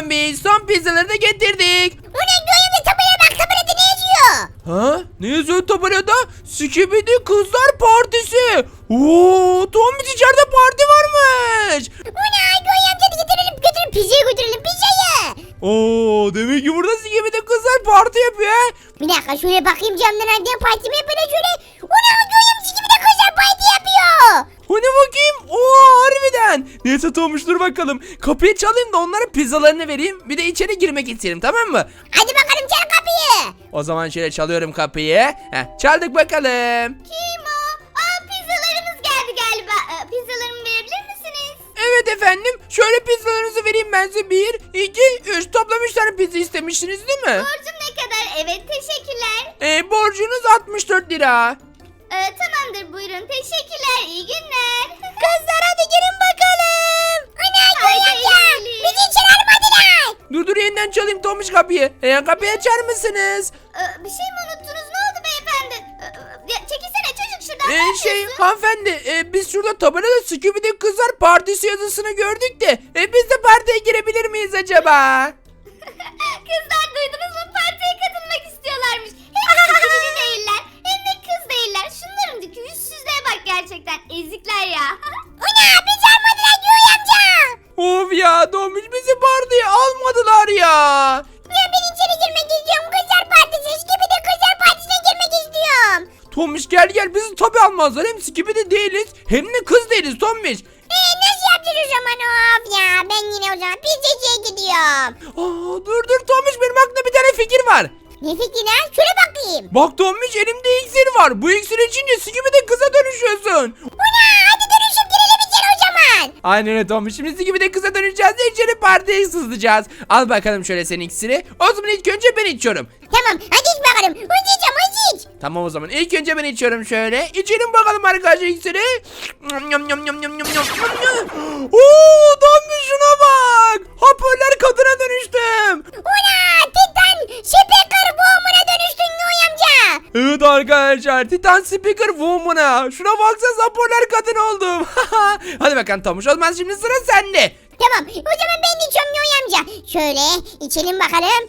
Tombiş, son pizzaları da getirdik. O ne Göğe tabelaya bak, tabelada ne yazıyor? Ha? Ne yazıyor tabelada? Skibidi Kızlar Partisi. Oo, Tombiş içeride parti varmış. O ne Göğe amca, hadi götürelim pizzayı götürelim pizzayı. Oo, demek ki burada Skibidi Kızlar parti yapıyor. Bir dakika şöyle bakayım camdan, hadi parti mi yapıyor şöyle. O ne Göğe amca gibi de kızlar parti yapıyor. Hani bakayım? Oo, harbiden. Neyse Tomuş, dur bakalım. Kapıyı çalayım da onlara pizzalarını vereyim. Bir de içeri girmek isterim, tamam mı? Hadi bakalım çal kapıyı. O zaman şöyle çalıyorum kapıyı. Çaldık bakalım. Kim o? Pizzalarımız geldi galiba. Pizzalarımı verebilir misiniz? Evet efendim. Şöyle pizzalarınızı vereyim ben size. 1, 2, 3. Toplam 3 tane pizza istemiştiniz değil mi? Borcum ne kadar? Evet, teşekkürler. Borcunuz 64 lira. Tamamdır, buyurun. Teşekkürler. İyi günler. Kızlar hadi girin bakalım. Ana Göğe bizi içeri almadılar. Dur yeniden çalayım Tomuş kapıyı. Kapıyı açar mısınız? Bir şey mi unuttunuz? Ne oldu beyefendi? Çekilsene çocuk şuradan. Ne yapıyorsun? Hanımefendi, biz şurada tabelada Skibidi Kızlar Partisi yazısını gördük de biz de partiye girebilir miyiz acaba? Kızlar duydunuz mu? Partiye katılmak istiyorlarmış. Hem kız değiller hem de kız değiller. Şunların yüzsüzlüğe bak gerçekten. Ezikler ya. O ne? Biz almadılar Göğe amca. Of ya Tomuş, bizi partiye almadılar ya. Ya ben içeri girmek istiyorum. Kızlar partisi gibi de kızlar partisine girmek istiyorum. Tomuş gel bizi tabi almazlar. Hem Skibidi değiliz hem de kız değiliz Tomuş. Nasıl yapacağız o zaman? Of ya, ben yine o zaman pizzacıya gidiyorum. Dur Tomuş, benim aklımda bir tane fikir var. Ne fikri lan? Şöyle bakayım. Bak Tomuş, elimde iksir var. Bu iksir içince Skibidi kıza dönüşüyorsun. Ana hadi dönüşüp girelim içeri o zaman. Aynen öyle Tomuş. Şimdi Skibidi kıza döneceğiz de içeri partiye sızlayacağız. Al bakalım şöyle senin iksiri. O zaman ilk önce ben içiyorum. Tamam hadi iç bakalım. Hadi iç. Tamam o zaman ilk önce ben içiyorum şöyle. İçelim bakalım arkadaşlar iksiri. Oo, Tomuş şuna bak. Hoparlör kadına dönüştüm. Ana Titan Speaker Woman'a dönüştün Göğe amca. Evet arkadaşlar, Titan Speaker Woman'a. Şuna baksanıza, hoparlör kadın oldum. Hadi bakalım Tomuş, o zaman şimdi sıra sende. Tamam o zaman ben de içiyorum Göğe amca. Şöyle içelim bakalım.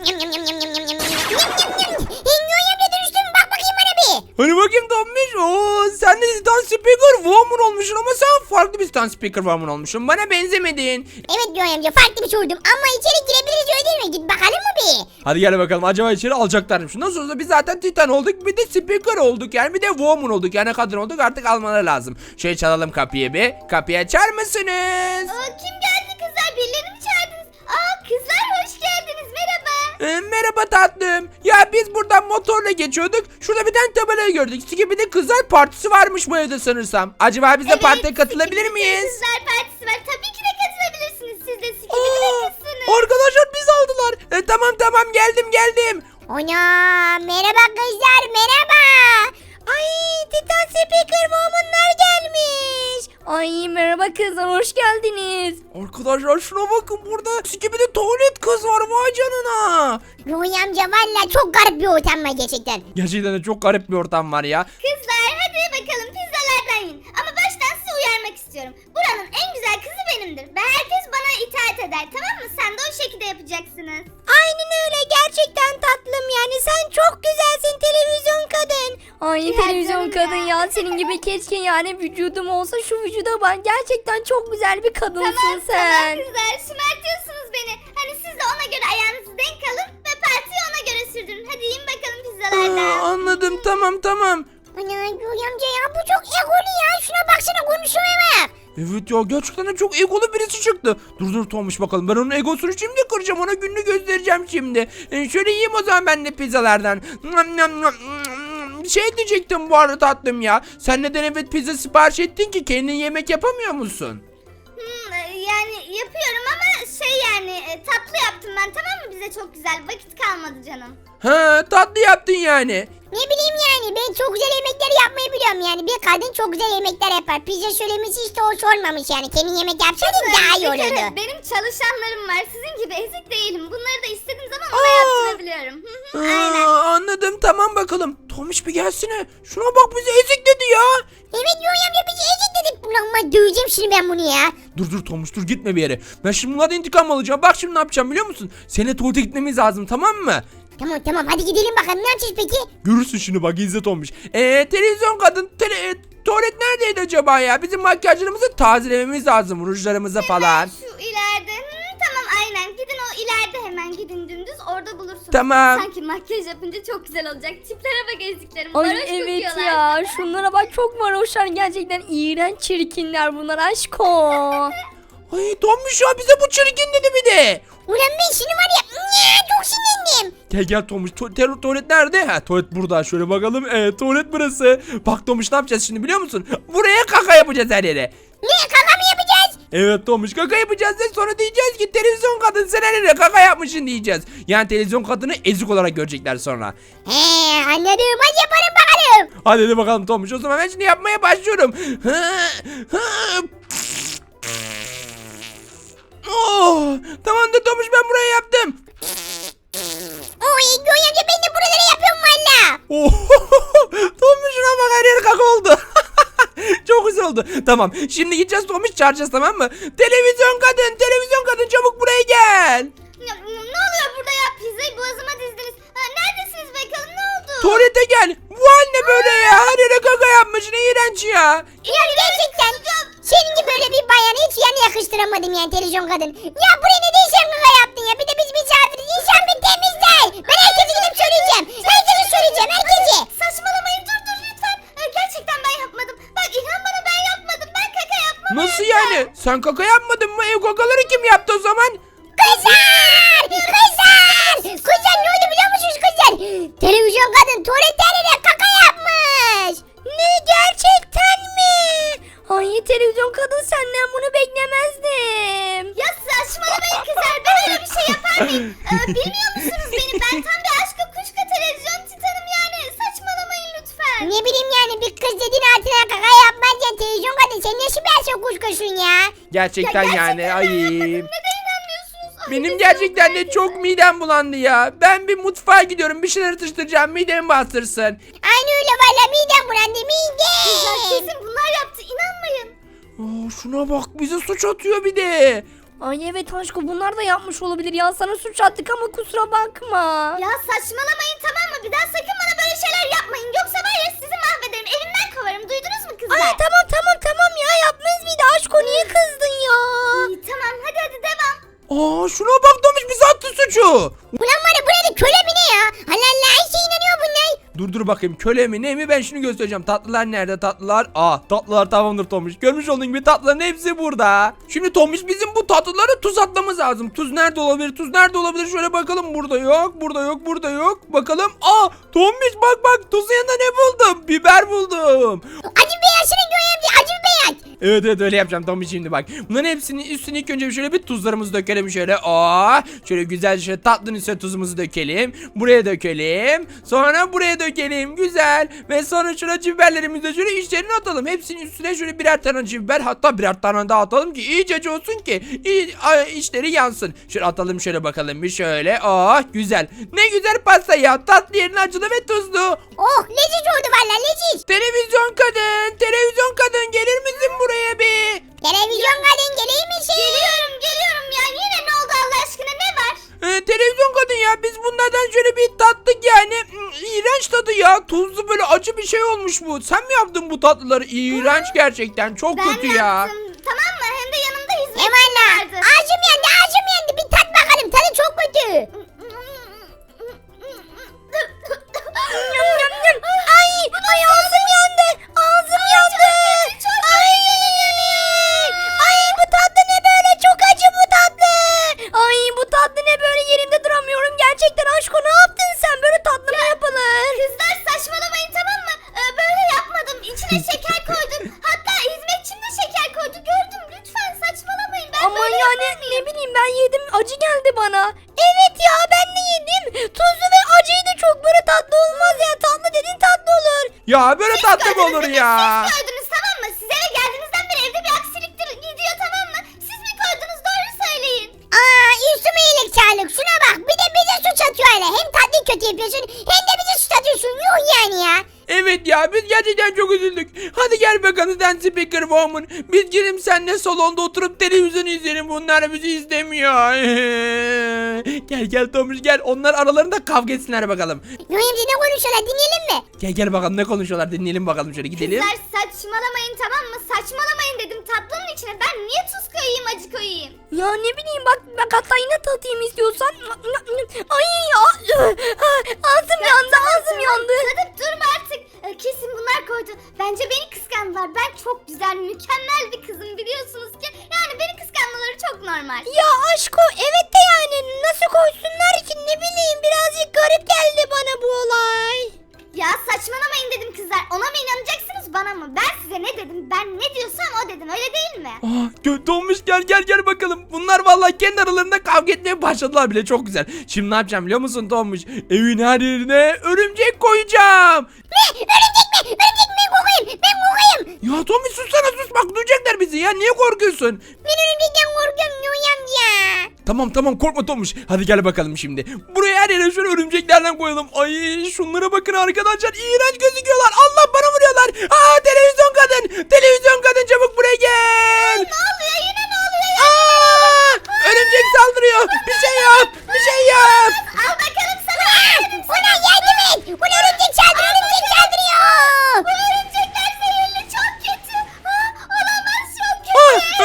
Göğe amca dönüştüm, bak bakayım bana bir. Hani bakayım Tomuş. Oo, sen de Titan Speaker Woman olmuşsun ama sen farklı bir Titan Speaker Woman olmuşsun. Bana benzemedin. Evet Göğe amca, farklı bir sordum ama içeri girebiliriz öyle değil mi? Git bakalım mı bir? Hadi gel bakalım, acaba içeri alacaklarmış. Nasıl olsa biz zaten Titan olduk, bir de Speaker olduk yani, bir de Woman olduk yani, kadın olduk, artık almaları lazım. Şöyle çalalım kapıyı bir. Kapıyı açar mısınız? Kim geldi kızlar? Birilerini mi çağırdınız? Kızlar hoş geldiniz, merhaba. Merhaba tatlım. Ya biz buradan motorla geçiyorduk. Şurada bir tane tabelayı gördük. Skibidi Kızlar Partisi varmış bu evde sanırsam. Acaba biz de partiye katılabilir miyiz? Kızlar partisi var, tabii ki de katılabilirsiniz. Siz de Skibidi kızsınız. Arkadaşlar biz aldılar. Tamam geldim. Ana merhaba kızlar, merhaba. Ay Titan Speaker Woman'lar gelmiş. Ay merhaba kızlar, hoş geldiniz. Arkadaşlar şuna bakın, burada Skibidi tuvalet kız var, vay canına. Göğe amca valla çok garip bir ortam var gerçekten. Gerçekten de çok garip bir ortam var ya. Kızlar hadi bakalım pizzalardan yiyin. Ama baştan size uyarmak istiyorum. Buranın en güzel kızı benimdir. Ve herkes bana itaat eder, tamam mı? Sen de o şekilde yapacaksınız. Aynen öyle, gerçekten tatlım, yani sen çok güzelsin televizyon kadın. Ay Ya televizyon canım kadın ya. ya, senin gibi keşke yani vücudum olsa, şu vücuda bak, gerçekten çok güzel bir kadınsın sen. Tamam kızlar, şımartıyorsunuz beni. Hani siz de ona göre ayağınızı denk alın ve partiyi ona göre sürdürün. Hadi yiyin bakalım pizzalardan. Anladım, tamam. Ana Göğe amca ya, bu çok egolu ya. Şuna baksana, konuşmaya bak. Evet ya, gerçekten de çok egolu birisi çıktı. Dur Tomuş bakalım, ben onun egosunu şimdi kıracağım, ona gününü göstereceğim şimdi. Şöyle yiyeyim o zaman ben de pizzalardan. Şey diyecektim bu arada tatlım ya. Sen neden evet pizza sipariş ettin ki, kendin yemek yapamıyor musun? Yani yapıyorum ama tatlı yaptım ben, tamam mı? Bize çok güzel, vakit kalmadı canım. Ha, tatlı yaptın yani. Ne bileyim yani ben çok güzel yemekler yapmayı biliyorum yani. Bir kadın çok güzel yemekler yapar. Pizza söylemesi işte hoş olmamış yani. Kendin yemek yapsaydın daha iyi Bir kere olurdu. benim çalışanlarım var. Sizin gibi ezik değilim. Bunları da istediğim zaman ona yaptırabiliyorum. Aynen. Anladım, tamam bakalım. Tomiş bir gelsene. Şuna bak, bizi ezik dedi ya. Evet Yonya amca bizi ezik dedik. Ulan ben döveceğim şimdi ben bunu ya. Dur Tomuş, dur gitme bir yere. Ben şimdi bunlardan intikam alacağım. Bak şimdi ne yapacağım biliyor musun? Seninle tuvalete gitmemiz lazım, tamam mı? Tamam hadi gidelim bakalım ne yapacağız peki? Görürsün şimdi, bak izle Tomuş. Televizyon kadın tuvalet neredeydi acaba ya? Bizim makyajlarımızı tazelememiz lazım, rujlarımızı falan. Şu ileride. Tamam aynen. Gidin o ileride, hemen gidin dümdüz. Orada bulursunuz. Tamam. Sanki makyaj yapınca çok güzel olacak. Tiplere bak eziklerim. Ay Varoş evet kokuyorlar. ya, şunlara bak, çok varoşlar gerçekten, iğrenç çirkinler bunlar aşko. Ay Tomuş ya, bize bu çirkin dedi bir de. Ulan ben şimdi var ya çok sinirlendim. Gel Tomuş, tuvalet nerede? Ha, tuvalet burada, şöyle bakalım. Evet, tuvalet burası. Bak Tomuş, ne yapacağız şimdi biliyor musun? Buraya kaka yapacağız her yere. Ne kaka mı yapacağız? Evet Tomuş, kaka yapacağız ve sonra diyeceğiz ki televizyon kadın sen her yere kaka yapmışsın diyeceğiz. Yani televizyon kadını ezik olarak görecekler sonra. He anladım hadi yapalım bakalım. Hadi bakalım Tomuş, o zaman ben şimdi yapmaya başlıyorum. Oh, tamamdır Tomuş, ben buraya yaptım. Oy Yonya amca ben de buraları yapıyorum valla. Oh, Tomuş şuna bak, her yer kaka oldu. Çok güzel oldu. Tamam, şimdi gideceğiz Tomuş, çağıracağız, tamam mı? Televizyon kadın çabuk buraya gel. Ne oluyor burada ya? Pizzayı boğazıma dizdiniz. Neredesiniz bakalım, ne oldu? Tuvalete gel. Bu hal ne böyle ya? Her yere kaka yapmışsın, iğrenç ya. Ya gerçekten senin gibi böyle bir bayanı hiç yani yakıştıramadım yani televizyon kadın. Ya buraya ne değişen kaka yaptın ya? Bir de biz misafiriz. İnsan bir temiz değil. Ben herkese gidip söyleyeceğim. Herkese söyleyeceğim, herkese. Saçmalamayın, dur lütfen. Gerçekten ben yapmadım. Bak inan bana, ben yapmadım. Ben kaka yapmadım. Nasıl yani? Sen kaka yapmadın mı? Ev kakaları kim yaptı o zaman? Kızlar! Kızlar ne oldu biliyor musunuz kızlar? Televizyon kadın tuvaletlerine kaka yapmış. Ne, gerçekten mi? Ay televizyon kadın, senden bunu beklemezdim. Ya saçmalamayın kızlar. Ben öyle bir şey yapar mıyım? Bilmiyor musunuz beni? Ben tam bir aşkı kuşka televizyon titanım yani. Saçmalamayın lütfen. Ne bileyim yani bir kız dediğin altına kaka yapmaz ya televizyon kadın. Sen nasıl bir aşağı kuşkusun ya? Gerçekten yani ayıp. Neden inanmıyorsunuz? Ay, Benim biz gerçekten çok de çok midem bulandı ya. Ben bir mutfağa gidiyorum, bir şeyler atıştıracağım, midemi bastırsın. Aynı öyle valla midem bulandı Kızlar midem. kesin bunlar yaptı. İnanmayın. Şuna bak, bize suç atıyor bir de. Ay evet aşko, bunlar da yapmış olabilir ya, sana suç attık ama kusura bakma. Ya saçmalamayın, tamam mı? Bir daha sakın bana böyle şeyler yapmayın. Yoksa var ya sizi mahvederim. Evimden kovarım. Duydunuz mu kızlar? Ay tamam ya, yapmayız bir de aşko, niye kızdın ya? İyi, tamam hadi devam. Şuna bak Tomuş, bize attı suçu. Ulan var ya burada köle mi ne ya? Allah Allah her şey inanıyor bunlar. Dur bakayım, köle mi ne mi, ben şunu göstereceğim. Tatlılar nerede, tatlılar? Tatlılar tamamdır Tomuş. Görmüş olduğun gibi tatlıların hepsi burada. Şimdi Tomuş, bizim bu tatlılara tuz atmamız lazım. Tuz nerede olabilir? Şöyle bakalım, burada yok. Bakalım. Tomuş bak, tuzun yanında ne buldum? Biber buldum. Acı beyazını görüyorum acı beyaz. Evet öyle yapacağım Tomuş, şimdi bak. Bunların hepsinin üstüne ilk önce şöyle bir tuzlarımızı dökelim şöyle. Şöyle güzelce şöyle tatlının üstüne tuzumuzu dökelim. Buraya dökelim. Sonra buraya dökelim. Güzel. Ve sonra şöyle acı biberlerimizi de şöyle içlerine atalım. Hepsinin üstüne şöyle birer tane acı biber, hatta birer tane daha atalım ki iyice acı olsun ki içleri yansın. Şöyle atalım, şöyle bakalım bir şöyle. Güzel. Ne güzel pasta ya. Tatlı yerine acılı ve tuzlu. Oh leziz oldu valla leziz. Televizyon kadın gelir misin buraya bir? Televizyon kadın geleyim misin? Geliyorum ya. Yine ne oldu Allah aşkına, ne var? Televizyon kadın ya, biz bunlardan şöyle bir tattık yani. İğrenç tadı ya, tuzlu böyle acı bir şey olmuş bu. Sen mi yaptın bu tatlıları? İğrenç gerçekten, çok Ben kötü ya. yaptım. Tamam mı? Hem de yanımda hizmetçi Eyvallah. vardı. Ağzım yandı bir tat bakalım tadı çok kötü. Ay ağzım yandı. Ay bu tatlı ne böyle, çok acı bu tatlı. Ay bu tatlı ne böyle, yerimde duramıyorum gerçekten aşko, ne yaptın sen, böyle tatlı mı yapılır? Kızlar saçmalamayın, tamam mı? Böyle yapmadım. İçine şeker koydum. Hatta hizmetçim de şeker koydu. Gördüm. ben yedim acı geldi bana. Evet ya ben de yedim. Tuzlu ve acıydı çok böyle tatlı olmaz ya. Tatlı dedin tatlı olur. Ya böyle tatlı mı olur ya? Siz koydunuz tamam mı? Siz eve geldiğinizden beri evde bir aksiliktir gidiyor tamam mı? Siz mi koydunuz doğru söyleyin. Üstüme iyilik sağlık. Şuna bak bir de bize suç atıyor öyle. Hem tatlıyı kötü yapıyorsun hem de bize suç atıyorsun. Yuh yani ya. Evet ya biz gerçekten çok üzüldük. Hadi gel bakalım sen Speaker Woman. Biz gidelim seninle salonda oturup televizyon izleyelim. Bunlar bizi izlemiyor. Gel Tomuş gel. Onlar aralarında kavga etsinler bakalım. Yuh amca ne konuşuyorlar dinleyelim mi? Gel bakalım ne konuşuyorlar dinleyelim bakalım şöyle gidelim. Kızlar saçmalamayın tamam mı? Saçmalamayın dedim tatlının içine. Ben niye tuz koyayım acı koyayım? Ya ne bileyim bak hatta yine tatayım istiyorsan. Ay ya. Ağzım yandı ağzım yandı. Tadıp durma artık. Kesin bunlar koydu. Bence beni kıskandılar. Ben çok güzel, mükemmel bir kızım biliyorsunuz ki. Yani beni kıskanmaları çok normal. Ya aşko evet de yani nasıl koysunlar ki ne bileyim birazcık garip geldi bana bu olay. Ya saçmalamayın dedim kızlar. Ona mı inanacaksınız bana mı? Ben size ne dedim? Ben ne diyorsam o dedim. Öyle değil mi? Kötü olmuş gel bakalım. Bunlar vallahi kendi aralarında kavga etmeye başladılar bile çok güzel. Şimdi ne yapacağım biliyor musun Tomuş? Evin her yerine örümcek koyacağım. Ne? Örümcek mi? Örümcek mi? Kokayım. Ben kokayım. Ya Tomuş sussana sus bak duyacaklar bizi ya niye korkuyorsun? Ben örümcekten korkuyorum Yuh amca. Tamam korkma Tomuş. Hadi gel bakalım şimdi. Buraya her yere şöyle örümceklerden koyalım. Ay şunlara bakın arkadaşlar. İğrenç gözüküyorlar. Allah bana vuruyorlar. Televizyon kadın. Televizyon kadın çabuk buraya gel. Ne oluyor? Yine ne oluyor? Örümcek saldırıyor. Bir şey yap. Bir şey yap. Al bakalım sana. Ona yardım et. Ona örümcek saldırıyor. Örümcek saldırıyor. Bu örümcekler zehirli. Çok kötü. Olamaz çok kötü.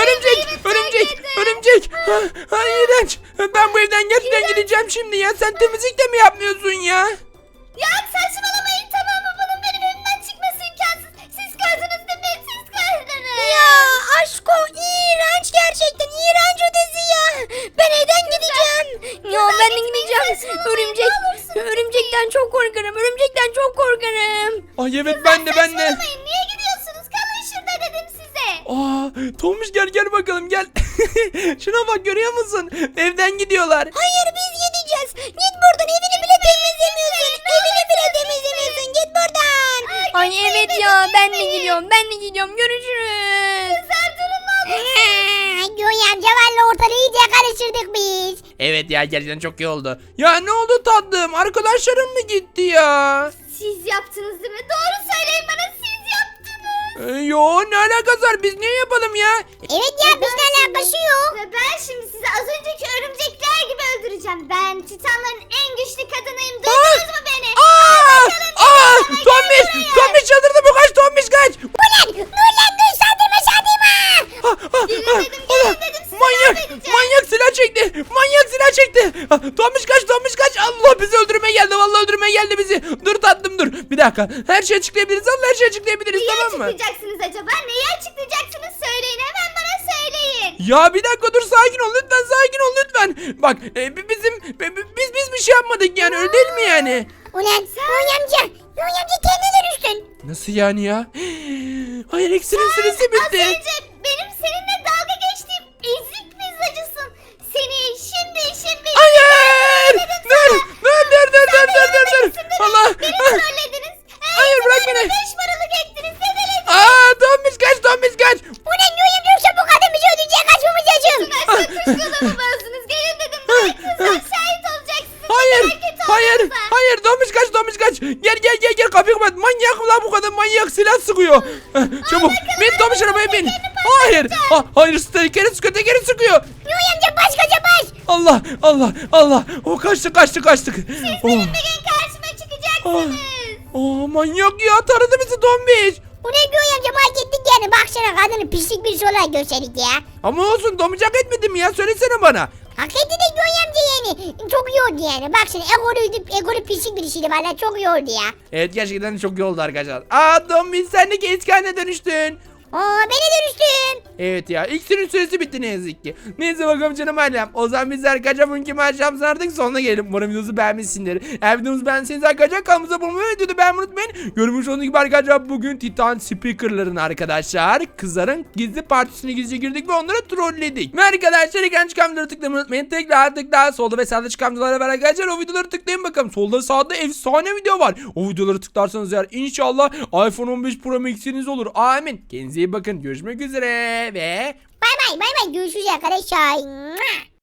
Örümcek. İğrenç. Ben bu evden gerçekten gideceğim şimdi ya. Sen temizlik de mi yapmıyorsun ya? Ya saçmalamayın tamam mı? Bunun benim evimden çıkması imkansız. Siz koydunuz değil mi? Siz koydunuz. Ya aşko iğrenç gerçekten iğrenç ötesi ya. Ben evden gideceğim. Ya ben de gideceğim. Örümcekten çok korkarım. Örümcekten çok korkarım. Ay evet ben de. Saçmalamayın. Niye gidiyorsunuz? Kalın şurada dedim size. Tomuş gel bakalım gel. Şuna bak görüyor musun? Evden gidiyorlar. Hayır biz gideceğiz. Git buradan evini bile temizlemiyorsun. Evini bile temizlemiyorsun. Git buradan. Ay evet ya ben de gidiyorum. Görüşürüz. Kızlar durun ne olur. Yuh amca valla ortalığı iyice karıştırdık biz. Evet ya gerçekten çok iyi oldu. Ya ne oldu tatlım? Arkadaşlarım mı gitti ya? Siz yaptınız değil mi? Doğru söyleyin bana siz yaptınız. Yo ne alakası var? Biz niye yapalım ya? Evet ya bizle alakası yok. Ve ben şimdi sizi az önceki örümcekler gibi öldüreceğim. Ben Titanların en güçlü kadınıyım. Duydunuz mu beni? Tombiş çıldırdı bu kaç Tombiş kaç. Dur dur saldırma. Gelin dedim size Manyak silah çekti. Tombiş kaç. Allah bizi öldürmeye geldi. Vallahi öldürmeye geldi bizi. Dur tatlım dur. Bir dakika. Her şeyi açıklayabiliriz. Allah her şeyi açıklayabiliriz Neyi tamam mı? açıklayacaksınız acaba? Neyi açıklayacaksınız söyleyin. Hemen bana söyleyin. Ya bir dakika dur sakin ol lütfen. Bak biz bir şey yapmadık yani öyle değil mi yani? Ulan Yuh amca kendine dönüştün. Nasıl yani ya? Hayır iksirin süresi Az bitti. önce benim seninle dalga geçtiğim ezik pizzacısın. Seni şimdi Hayır! Dur. Allah! beni trollediniz. Hayır, bırak beni. 5 paralık ettiniz dedelediniz. Tombiş kaç. Ulan Yuh amca yoksa bu kadın bizi öldürecek kaçmamız lazım. Kuşkalımı bozdunuz. Gelin dedim buraya kızlar şahit olacaksınız. Hayır Tombiş kaç. Gel kapıyı kapat. Manyak mı lan bu kadın manyak silah sıkıyor. Çabuk bin Tombiş arabaya bin. Hayır tekeri sıkıyor. Yuh amca baş kaça baş. Allah. O kaçtık. Oh. Bir gün karşıma çıkacaksınız. Manyak ya taradı bizi Tombiş. Ulan Yuh amca fark ettik yani. Baksana kadını pislik bir olarak gösterdik ya. Ama olsun Tombiş hak etmedi mi ya söylesene bana. Hak etti de Yuh amca yani. Çok iyi oldu yani. Baksana egolu pislik birisiydi valla çok iyi oldu ya. Evet gerçekten çok iyi oldu arkadaşlar. Tombiş sen de eski haline dönüştün. Beni dönüştüm. Evet ya iksirin süresi bitti ne yazık ki. Neyse bakalım canım ailem. O zaman bizler arkadaşlar bugünkü maçlarımızın artık sonuna gelelim. Umarım videomuzu beğenmişsindir. Eğer videomuzu beğendiyseniz arkadaşlar kanalımıza abone olmayı ve videoyu beğenmeyi unutmayın. Görmüş olduğunuz gibi arkadaşlar bugün Titan Speaker'ların arkadaşlar kızların gizli partisine gizlice girdik ve onları trolledik. Ve arkadaşlar ekran çıkan videoları tıklamayı unutmayın. Tekrar solda ve sağda çıkan videolara var arkadaşlar. O videoları tıklayın bakalım. Solda sağda efsane video var. O videoları tıklarsanız eğer inşallah iPhone 15 Pro Max'iniz olur. Amin. Kendinize iyi bakın. Görüşmek üzere ve Bay bay görüşürüz arkadaşlar.